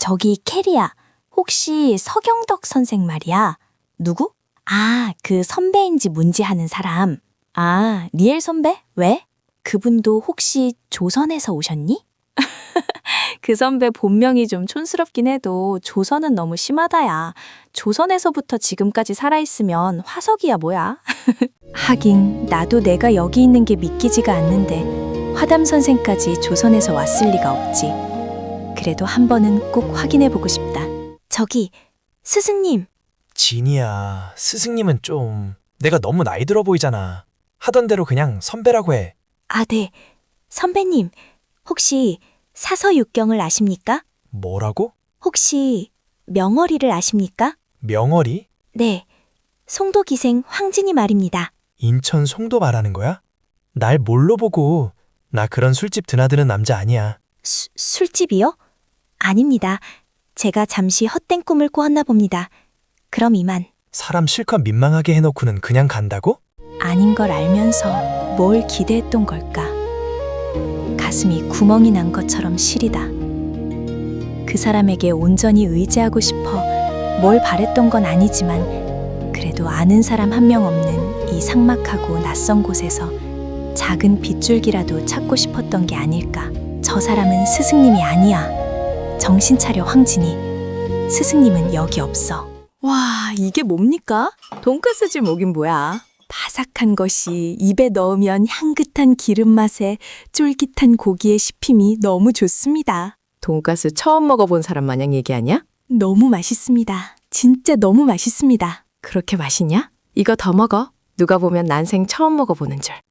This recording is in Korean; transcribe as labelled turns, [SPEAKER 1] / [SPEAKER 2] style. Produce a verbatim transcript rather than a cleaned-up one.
[SPEAKER 1] 저기 캐리야. 혹시 서경덕 선생 말이야? 누구? 아, 그 선배인지 뭔지 하는 사람. 아, 리엘 선배? 왜? 그분도 혹시 조선에서 오셨니? 그 선배 본명이 좀 촌스럽긴 해도 조선은 너무 심하다야. 조선에서부터 지금까지 살아있으면 화석이야 뭐야. 하긴 나도 내가 여기 있는 게 믿기지가 않는데 화담 선생까지 조선에서 왔을 리가 없지. 그래도 한 번은 꼭 확인해보고 싶다. 저기, 스승님.
[SPEAKER 2] 진이야, 스승님은 좀 내가 너무 나이 들어 보이잖아. 하던 대로 그냥 선배라고 해.
[SPEAKER 1] 아, 네. 선배님, 혹시 사서육경을 아십니까?
[SPEAKER 2] 뭐라고?
[SPEAKER 1] 혹시 명어리를 아십니까?
[SPEAKER 2] 명월이?
[SPEAKER 1] 네. 송도기생 황진이 말입니다.
[SPEAKER 2] 인천 송도 말하는 거야? 날 뭘로 보고. 나 그런 술집 드나드는 남자 아니야.
[SPEAKER 1] 수, 술집이요? 아닙니다. 제가 잠시 헛된 꿈을 꾸었나 봅니다. 그럼 이만.
[SPEAKER 2] 사람 실컷 민망하게 해놓고는 그냥 간다고?
[SPEAKER 1] 아닌 걸 알면서 뭘 기대했던 걸까? 가슴이 구멍이 난 것처럼 시리다. 그 사람에게 온전히 의지하고 싶어 뭘 바랬던 건 아니지만 그래도 아는 사람 한 명 없는 이 삭막하고 낯선 곳에서 작은 빗줄기라도 찾고 싶었던 게 아닐까. 저 사람은 스승님이 아니야. 정신 차려 황진이. 스승님은 여기 없어. 와, 이게 뭡니까? 돈가스집 뭐긴 뭐야. 바삭한 것이 입에 넣으면 향긋한 기름 맛에 쫄깃한 고기의 씹힘이 너무 좋습니다.
[SPEAKER 3] 돈가스 처음 먹어본 사람 마냥 얘기하냐?
[SPEAKER 1] 너무 맛있습니다. 진짜 너무 맛있습니다.
[SPEAKER 3] 그렇게 맛있냐? 이거 더 먹어. 누가 보면 난생 처음 먹어보는 줄.